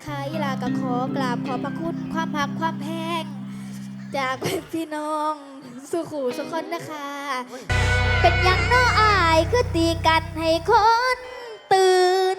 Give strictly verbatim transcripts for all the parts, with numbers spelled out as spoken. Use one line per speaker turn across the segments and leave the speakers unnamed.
ค่ะอีลาก็ขอกราบขอบพระคุณความหักความแพงจากพี่น้องสุขูสุขคนนะคะเป็นยังน้ออายคือตีกันให้คนตื่น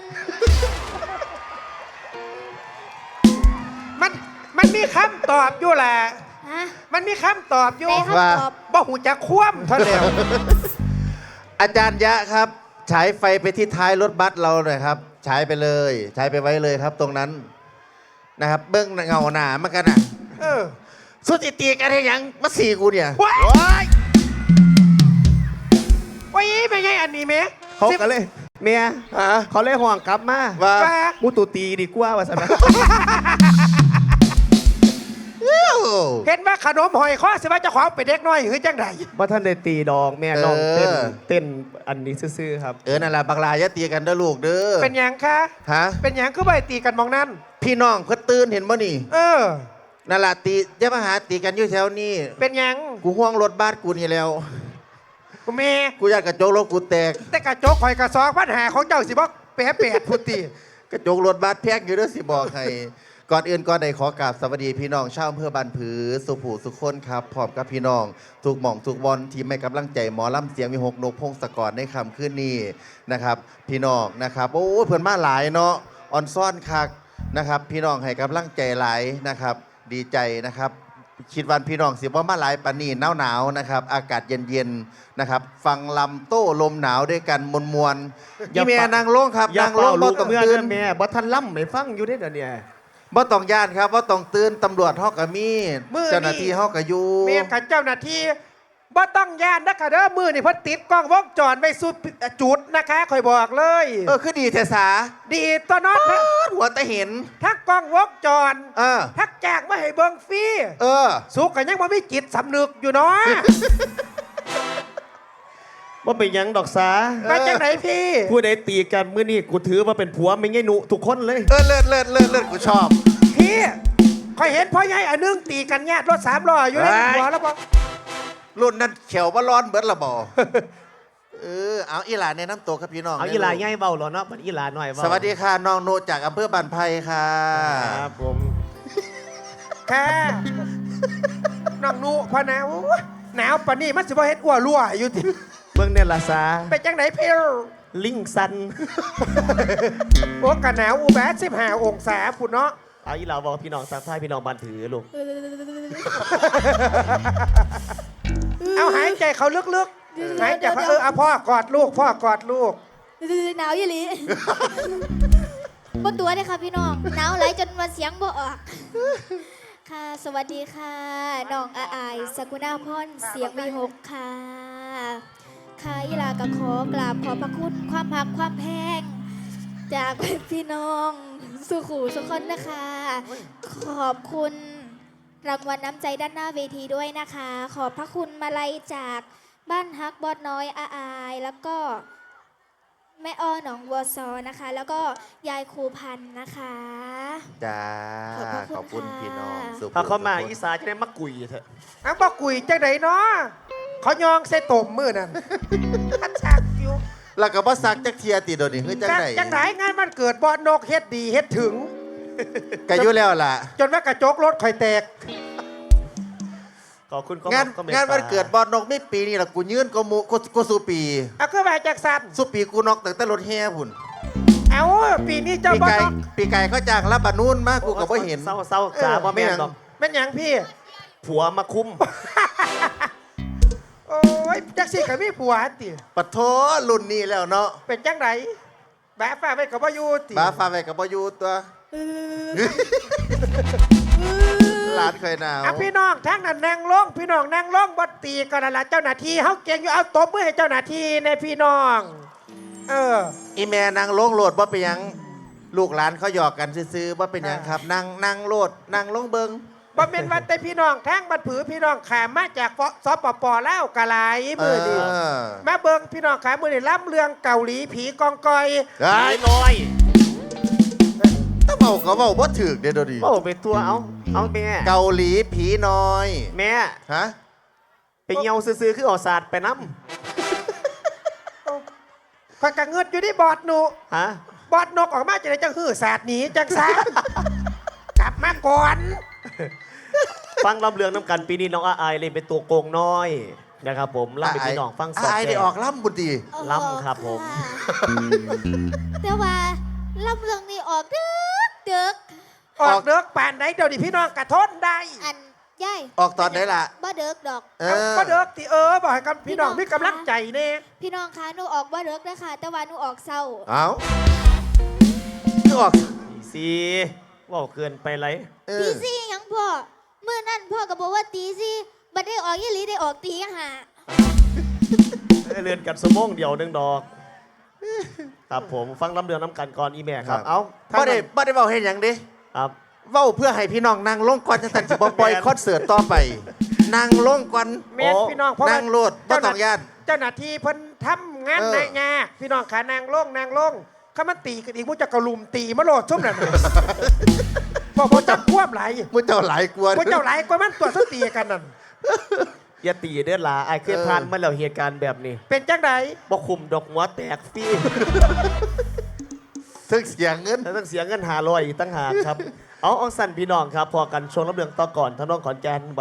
มันมันมีคำตอบอยู่แหละ
ฮะ
มันมีคำตอบอยู่
ได้คำตอบ
บ่หูจะคว่ำเท่าเดียว
อาจารย์ยะครับฉายไฟไปที่ท้ายรถบัสเราหน่อยครับฉายไปเลยฉายไปไว้เลยครับตรงนั้นนะครับเบื้องเงาหนามากันอ่ะ
เออ
สุดจิตีกันให้ยังมาสี่กูเนี่ย
ว้าย
โอ๊ย
โอ้ยไม่ใช่อันนี้เม
เขาก็เลยเมีย
ฮะ
เขาเลยห่วงกลับมา
ว่า
ว่า
มูตูตีดีกว่าว่าสนะ
เห็นว่าขนมหอยข้อสิว่าเจ้าของเป็นเด็กน้อยหรือจังได
ว่าท่านได้ตีดองแม่น้องเต้นเต้นอันนี้ซื่อๆครับ
เออนั่นแหละบักลาอย่าตีกันเด้อลูกเด้อ
เป็นหยังคะ
ฮะ
เป็นหยังคือใบตีกันมองนั่น
พี่น้องเพิ่นตื่นเห็นบ่นี่
เออ
นั่นแหละตีอย่ามาหาตีกันอยู่แถวนี้
เป็นหยัง
กูห่วงรถบัสกูนี่แล้ว
กูเม
กูอยากกระจกรถกูแตก
แต่กระจกหอยกระซองปัญหาของเจ้าสิบอกแปะแปดพุตี
กระจกรถบัสแพงอยู่เด้อสิบอกให้ ก่อนอื่นก่อนใดขอกราบสวัสดีพี่น้องชาวอำเภอบ้านผือสุผูสุขคนครับพร้อมกับพี่น้องทุกหม่องทุกบอลที่ไม่กำลังใจหมอลำเสียงมีหกนกพงศกรในคำขึ้นนี้นะครับพี่น้องนะครับโอ้เพื่อนมาหลายเนาะออนซ่อนคักนะครับพี่น้องให้กำลังใจหลายนะครับดีใจนะครับคิดวันพี่น้องสิว่ามาหลายปานนีหนาวหนาวๆนะครับอากาศเย็นๆนะครับฟังลำโต้ลมหนาวด้วยกันมวลมวลๆยี่เมียนางโล่งครับาง
อย่านเป่า
โล่ง
ลู
บ่
ก
ต้อง
เมื่อ
ตื่
เด้
น
อแม่บ่ทันล่ำไม่ฟังอยู่ได้อเดี๋ยวนี้
บ่ต้องย่านครับว่าต้องตื่นตำรวจฮอกกะมีเจ้าหน้าที่ฮอกกะอยู่
เมียกับเจ้าหน้าที่บ่ต้องย่านนะคะเด้อมือนี่เพิ่นติดกล้องวงจรไว้สุดจุดนะคะคอยบอกเลย
เออคือดีเทสา
ดีตัวน้องทั้ง
หัวตะเห็น
ทั้งกล้องวงจร
เออ
ทั้งแจกมาให้เบิ่งฟรี
เออ
สุกกันยังบ่มีจิตสำนึกอยู่เนาะ
ว่าเป็นหยังดอกสา
มาจากไหนพี่
ผู้ใดตีกันมื้อนี้กูถือว่าเป็นผัวไม่ไงหนุทุกคนเลย
เออเลิศเลิศเลิศเลิศกูชอบ
พี่คอยเห็นพ่อใหญ่อันนึงตีกันแยกรถสามล้ออยู่ในหัวแล้วบ่
รุ่นนั้นเขียวว่าร้อนเบิดละบ่ เออเอาอีหลานแนะนำตัวครับพี่น้อง
เอาอีหลาใหญ่เบาเหรอเนาะมันอีหลาหน่อยเบา
สวัสดีค่ะน้องโนจากอำเภอบ้านไผ่ค่ะ
ครับผม
แค่น้องนูพะนะโอ้ยหนาวปานนี้มันสิบ่เฮ็ดอ้วรั่วอยู่ติ
เบิ่งเนี่ยละสา
ไปจังไหนพี่
ลิงซัน
โอ้กะหนาวอูแบดสิบห้าองศาพุ่นเนาะ
เอาอีหลาบอกพี่น้องสักทายพี่น้องบันถือลูก
เอาหายใจเขาลึกๆหายใจเขาเออเอาพ่อกอดลูกพ่อกอดลูก
หนาวยี่หลี บนตัวเลยค่ะพี่น้องหนาวไหลจนมาเสียงบ่ออกค่ะ สวัสดีค่ะน้องอาอายสกุณาพรเสียงวีหกค่ะค่ะอีลาก็ขอกราบขอบพระคุณความหักความแพงจากพี่น้องสุขูสุขคนนะคะ ขอบคุณรางวัลน้ำใจด้านหน้าเวทีด้วยนะคะ ขอบพระคุณมาลัยจากบ้านฮักบอดน้อยอาอายแล้วก็แม่อ้อหนองวัวซอนะคะ แล้วก็ยายครูพันธ์นะคะ
จ้า
ขอบพระคุณ
ขอบคุณ
ค่ะ
พี่น้องสุข
ถ้าเขามา
สุขคน
อีสานจะได้มักกุยเถอะ
อังบอกกุยจังไหนเนาะเขายองใส่ตมมือนั่นทัดชักอยู่
แล้วก็บ่ซักจักเทียติโดยวนี่คือจังได๋
จังไหนงานมันเกิดบอนนกเฮ็ดดีเฮ็ดถึง
ก็อยู่แล้วล่ะ
จนว่ากระจกรถคอยแตก
ขอบคุณก็
งาน
ก็เมตต
งานวันเกิดบอลนกไม่ปีนี่ล่ะกูยืนก็มูกูกูสูปี
เอาคือว่าจากสัน
สูปีกูนอกตั้งแต่รถแห่พุ่น
เอาปีนี้เจ้า
ปี
บอ
ไก่
นก
ปีไก่เขาจ้างรับบานูนมากูก็บ่เห็น
เศร้าเศร้าจ้าบ่แม่นดอก
เป็นหยังพี่
ผัวมาคุ้ม
โอ้ยจักสิกับมีผัวติ
ปะโถรุ่นนี้แล้วเนาะ
เป็นจังไหนแบะฟ้าไปกับว่าอยู่ติ
บ้าฟ้าไปกับบ่อยู่ตัวหลานเคยหนาว
อ่ะพี่น้องทั้งนั้นนั่งลงพี่น้องนั่งลงบ่ตีกันนั่นล่ะเจ้าหน้าที่เฮาเก่งอยู่เอาตบมือให้เจ้าหน้าที่ในพี่น้อง เออ
อีแม่นางลงโหลดบ่เป็นหยังลูกหลานเขาหยอกกันซื้อๆบ่เป็นหยังครับนางนางโหลดนางลงเบิง
บ่เป็นวันแต่พี่น้องทั้งบัดผือพี่น้องขามมาจากสปปลาวกะหลายมือดี
เออ
มาเบิ่งพี่น้องขามือนี่ล้ำเรื่องเกาหลีผีกองกอย
ไอ้
ไอ้น้อย
ถ้าเว้าก็เว้าบ่ถูกเด้อเดี๋ยวนี้
โอ้ไปตัวเอาเอาแม่
เกาหลีผีน้อย
แม่
ฮะ
ไปเหี่ยวซื้อๆคือเออกศาสตร์ไปน้
คอยกะเงิดอยู่ที่บอดหนู
ำฮะ
บบอดนกออกมาจะได้จังหื้อศาสตร์หนีจังซะ กลับมาก่อน
ฟังลำเลืองน้ำกันปีนี้น้องอาอายเล่นเป็นตัวโกงน้อยนะครับผมล่ำเป็นพี่น้องฟังสอด
ไอ้
แจ
ได้ออกล่ำบุตรี
ล้ำครับผม
ค่ะแต่ว่าลำเรื่องนี้ออกดึกดึก
ออกเด็กป่านไหนเดี๋ยวนี้พี่น้องกระทนได้
อันย่าย
ออกตอนไหนล่ะ
บ่เดึกดอก
เอ
เอา
อ
ก็เด็กที่เออบอกให้กับพี่น้องมีกำลังใจเน่
พี่น้องคะหนูออกบ่เดึกนะคะแต่ว่าหนูออกเศร้า
เอาคือออก
ตีซีว่าเกินไปไร
เอ
ตี
อ
สี่หยังพ่อเมื่อนั้นพ่อก็บอกว่าตีสี่บัดได้ออกยี่หลีได้ออกตีหา
เรียนกันสมองเดียวหนึ่งดอกครับผมฟังลำเลืองน้ำกันก่อนอีแม่ครับ
ครับ
เอ้า
บ่ได้บ่ได้เว้าเฮ็ดหยังเด้
ครับ
เว้าเพื่อให้พี่น้องนั่งลงก่อนจังซั่นสิบ่ปล่อย
แม่น
คอนเสิร์ตต่อไปนั่งลงก่อน
แม่น
โอ้
พี่น้องเพราะว่า
นั่งโลดบ่ต้องย่าน
เจ้าหน้าที่เพิ่นทำงาน
เออ
ในงาพี่น้องขานางลงนางลงข้ามันตีกันอีกมุจะกระลุมตีมะโลดซุ่มนั่นน่ะพอพอจับควบไหลาย
มื้อเจ้าหลายกวน
พอเจ้าไหลายกว่ามันตัวสตีกันนั่น
อย่าตีเด้อหลาไอ้เคย
เออ
ผ่านมาแล้วเหตุการณ์แบบนี้
เป็นจังได
บ่คุมดอกหัวแตกฟรี
ซึ่งเสียเงิน
แล้วต้องเสียเงินหาลอยอีกตั้งหากครับ เอาเอาสั่นพี่น้องครับ พอกันชวงรับเรื่องต่อก่อนทางน้องขอนแก่นบ